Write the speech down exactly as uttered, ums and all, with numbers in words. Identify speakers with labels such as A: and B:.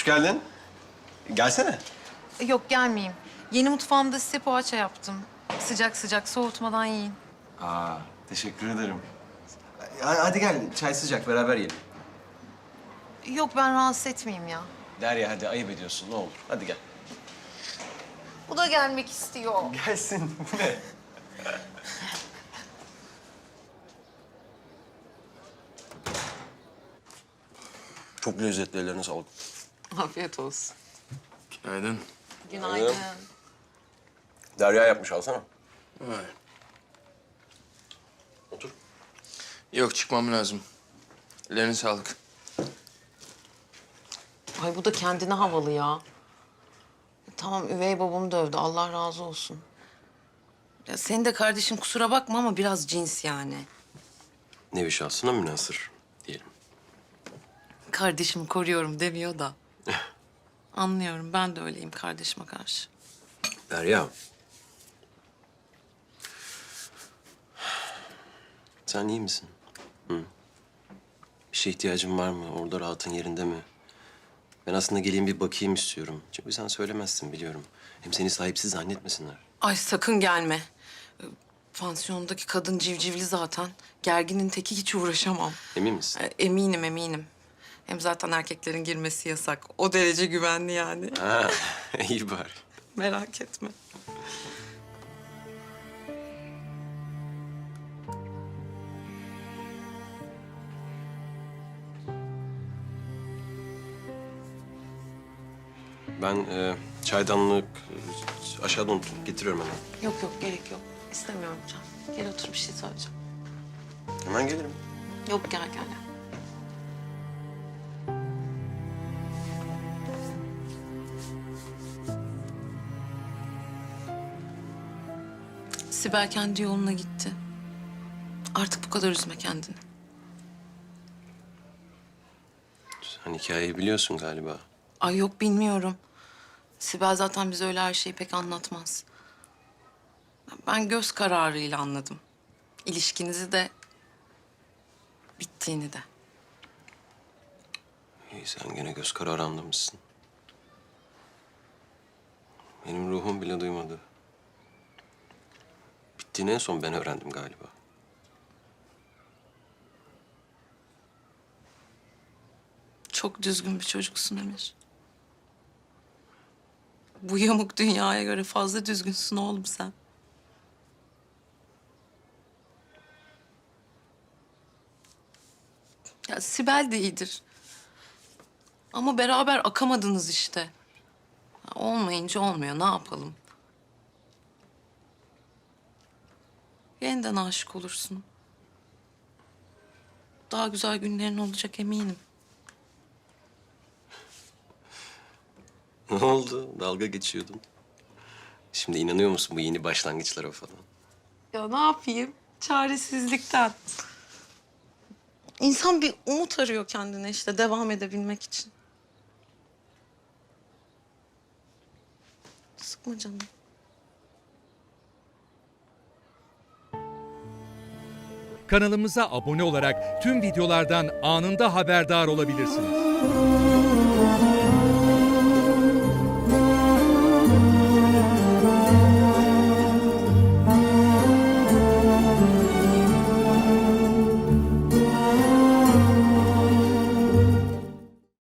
A: geldin. Gelsene.
B: Yok gelmeyeyim. Yeni mutfağımda size poğaça yaptım. Sıcak sıcak soğutmadan yiyin.
A: Aa, teşekkür ederim. Hadi gel, çay sıcak, beraber yiyelim.
B: Yok ben rahatsız etmeyeyim ya.
A: Derya hadi ayıp ediyorsun, ne olur. Hadi gel.
B: Bu da gelmek istiyor.
A: Gelsin, bu ne? Çok lezzetli, ellerine sağlık.
B: Afiyet olsun.
C: Günaydın.
B: Günaydın.
A: Derya yapmış, alsana.
C: Vay.
A: Otur.
C: Yok, çıkmam lazım. Ellerine sağlık.
B: Ay bu da kendine havalı ya. Tamam üvey babamı dövdü. Allah razı olsun. Ya senin de kardeşin kusura bakma ama biraz cins yani.
A: Nevi şahsına münhasır diyelim.
B: Kardeşimi koruyorum demiyor da. Anlıyorum. Ben de öyleyim kardeşime karşı.
A: Derya. Sen iyi misin? Hı? Bir şeye ihtiyacın var mı? Orada rahatın yerinde mi? Ben aslında geleyim bir bakayım istiyorum. Çünkü sen söylemezsin biliyorum. Hem seni sahipsiz zannetmesinler.
B: Ay sakın gelme. Ee, Pansiyondaki kadın civcivli zaten. Gerginin teki hiç uğraşamam.
A: Emin misin?
B: Ee, Eminim eminim. Hem zaten erkeklerin girmesi yasak. O derece güvenli yani.
A: Ha, iyi bari.
B: Merak etme.
A: Ben e, çaydanlık e, aşağıda unuttum. Getiriyorum hemen.
B: Yok yok gerek yok. İstemiyorum Can. Gel otur bir şey söyleyeceğim.
A: Hemen gelirim.
B: Yok gel gel. Sibel kendi yoluna gitti. Artık bu kadar üzme kendini.
A: Sen hikayeyi biliyorsun galiba.
B: Ay yok bilmiyorum. Sibel zaten bize öyle her şeyi pek anlatmaz. Ben göz kararıyla anladım. İlişkinizi de bittiğini de.
A: İyi sen gene göz kararı anlamışsın. Benim ruhum bile duymadı. Bittiğini en son ben öğrendim galiba.
B: Çok düzgün bir çocuksun Emir. Bu yamuk dünyaya göre fazla düzgünsün oğlum sen. Ya Sibel de iyidir. Ama beraber akamadınız işte. Ya olmayınca olmuyor, ne yapalım? Yeniden aşık olursun. Daha güzel günlerin olacak eminim.
A: Ne oldu? Dalga geçiyordun. Şimdi inanıyor musun bu yeni başlangıçlara falan?
B: Ya ne yapayım? Çaresizlikten. İnsan bir umut arıyor kendine işte devam edebilmek için. Sıkma canım.
D: Kanalımıza abone olarak tüm videolardan anında haberdar olabilirsiniz.